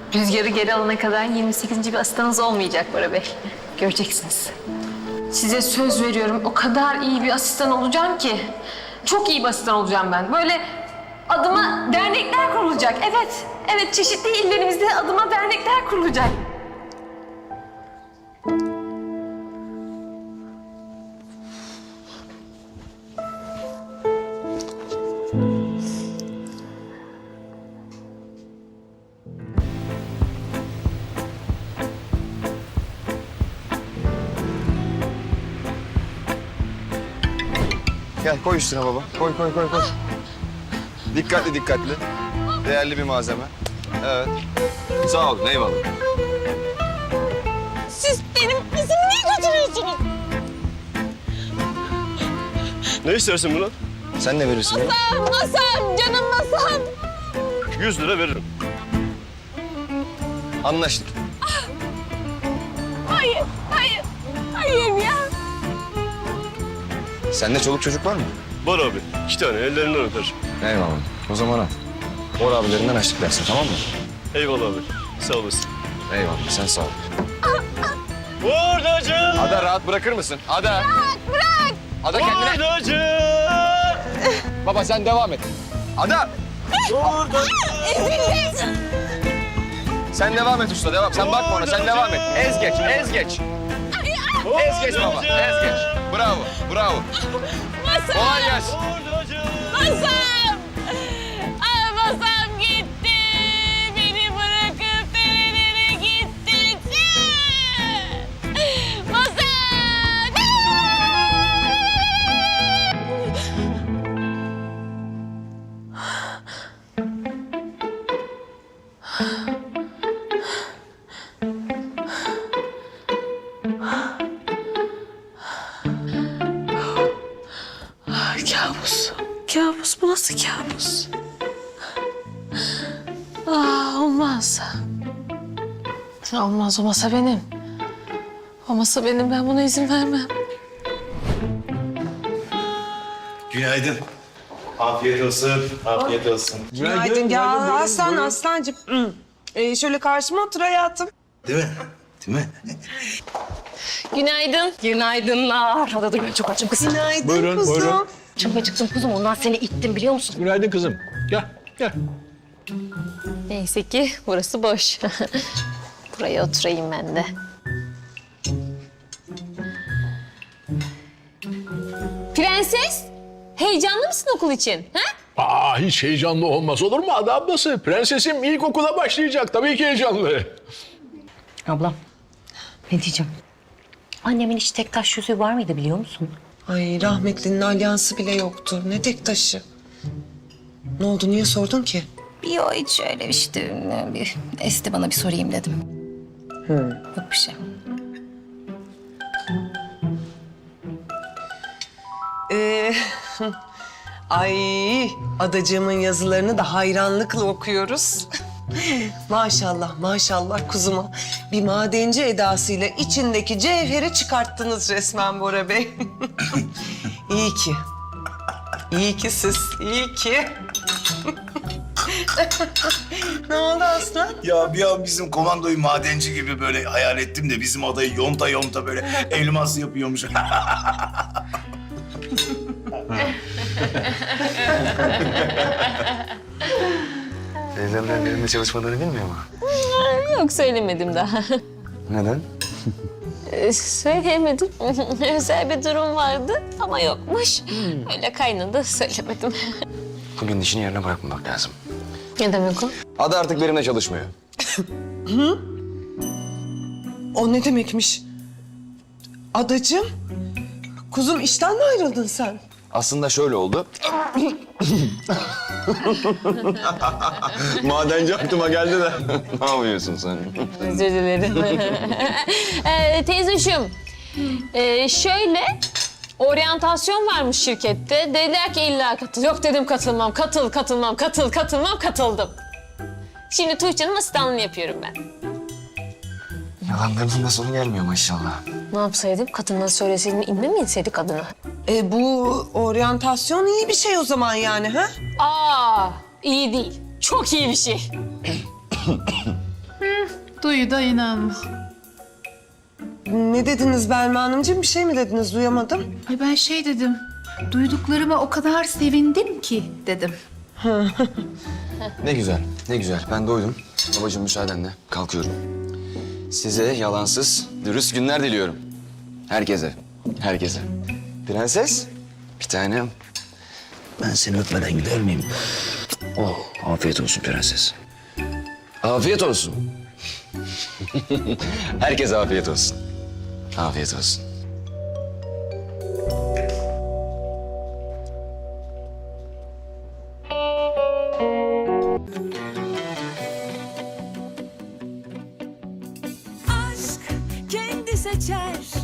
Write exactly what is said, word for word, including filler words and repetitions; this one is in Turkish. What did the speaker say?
Rüzgarı geri alana kadar yirmi sekizinci bir asistanınız olmayacak Bora Bey. Göreceksiniz. Size söz veriyorum, o kadar iyi bir asistan olacağım ki. Çok iyi bir asistan olacağım ben. Böyle adıma dernekler kurulacak. Evet, evet çeşitli illerimizde adıma dernekler kurulacak. Gel koy üstüne baba. Koy koy koy koy. Dikkatli dikkatli. Değerli bir malzeme. Evet. Sağ olun eyvallah. Siz benim kızımı niye götürüyorsunuz? Ne istersin bunu? Sen ne verirsin bana? Masam, masam, canım masam. Yüz lira veririm. Anlaştık. Hayır, hayır, hayır ya. Sende çoluk çocuk var mı? Var abi. İki tane ellerinden öper. Eyvallah. O zaman al. Bor abilerinden açlık versin tamam mı? Eyvallah abi. Sağ olasın. Eyvallah sen sağ ol. Burdacı! Ada rahat bırakır mısın? Ada. Bırak, bırak. Ada kendine. Burdacı! Baba sen devam et. Ada. Ezildim. Sen devam et usta devam. Sen bakma ona sen devam et. Ez geç ez geç. Ez geç baba ez geç. Bravo bravo. Masam, Kolay gelsin. Burdacı! masam. Aa, masam gitti. Beni bırakıp nerelere gitti. Masam. Kabus. Kabus. Bu nasıl kabus? Aa, olmaz. Olmaz. O masa benim. O masa benim. Ben buna izin vermem. Günaydın. Afiyet olsun, afiyet olsun. Günaydın. Ya Aslan, Aslancığım. Hı. Ee, şöyle karşıma otur hayatım. Değil mi? Değil mi? Günaydın. Günaydınlar. Hadi dur ben çok açım kızım. Günaydın Buyurun, kuzum. buyurun. Çok acıktım kuzum. Ondan seni ittim biliyor musun? Günaydın kızım. Gel, gel. Neyse ki burası boş. Buraya oturayım ben de. Prenses, heyecanlı mısın okul için? Ha? Aa, hiç heyecanlı olmaz olur mu Ada ablası? Prensesim ilkokula başlayacak. Tabii ki heyecanlı. Ablam, ne diyeceğim? Annemin hiç tek taş yüzüğü var mıydı biliyor musun? Ay rahmetlinin alyansı bile yoktu. Ne tek taşı. Ne oldu, niye sordun ki? Yok hiç öyle işte. Bir esti bana bir sorayım dedim. Yok bir şey. Ee, ay adacığımın yazılarını da hayranlıkla okuyoruz. Maşallah maşallah kuzuma. Bir madenci edasıyla içindeki cevheri çıkarttınız resmen Bora Bey. İyi ki. İyi ki siz, iyi ki. Ne oldu Aslan? Ya bir an bizim komandoyu madenci gibi böyle hayal ettim de bizim adayı yonta yonta böyle elmas yapıyormuş. Teyzemler benimle çalışmadığını bilmiyor mu? Yok söylemedim daha. Neden? Ee, Söyleyemedim. Özel bir durum vardı ama yokmuş. Öyle kaynadı söylemedim. Bugün işini yerine bırakmamak lazım. Ne demek o? Ada artık benimle çalışmıyor. O ne demekmiş? Adacığım, kuzum işten mi ayrıldın sen? Aslında şöyle oldu. Madenci aklıma geldi de. Ne yapıyorsun sen? Özür dilerim. ee, teyzeciğim, ee, şöyle oryantasyon varmış şirkette. Dediler ki illa katıl. Yok dedim katılmam, katıl, katılmam, katıl, katılmam, katıldım. Şimdi Tuğçe'nin asistanlığını yapıyorum ben. Yalanlarının da sonu gelmiyor maşallah. Ne yapsaydım? Kadına söyleseydim inme mi inseydik kadına? E bu oryantasyon iyi bir şey o zaman yani ha? Aa, iyi değil. Çok iyi bir şey. Duyu da inanma. Ne dediniz Belma Hanımcığım? Bir şey mi dediniz? Duyamadım. Ay ben şey dedim. Duyduklarıma o kadar sevindim ki dedim. Ne güzel, ne güzel. Ben doydum. Babacığım müsaadenle kalkıyorum. Size yalansız, dürüst günler diliyorum. Herkese, herkese. Prenses, bir tanem. Ben seni öpmeden gider miyim? Oh, afiyet olsun prenses. Afiyet olsun. Herkese afiyet olsun. Afiyet olsun. Aşk kendi seçer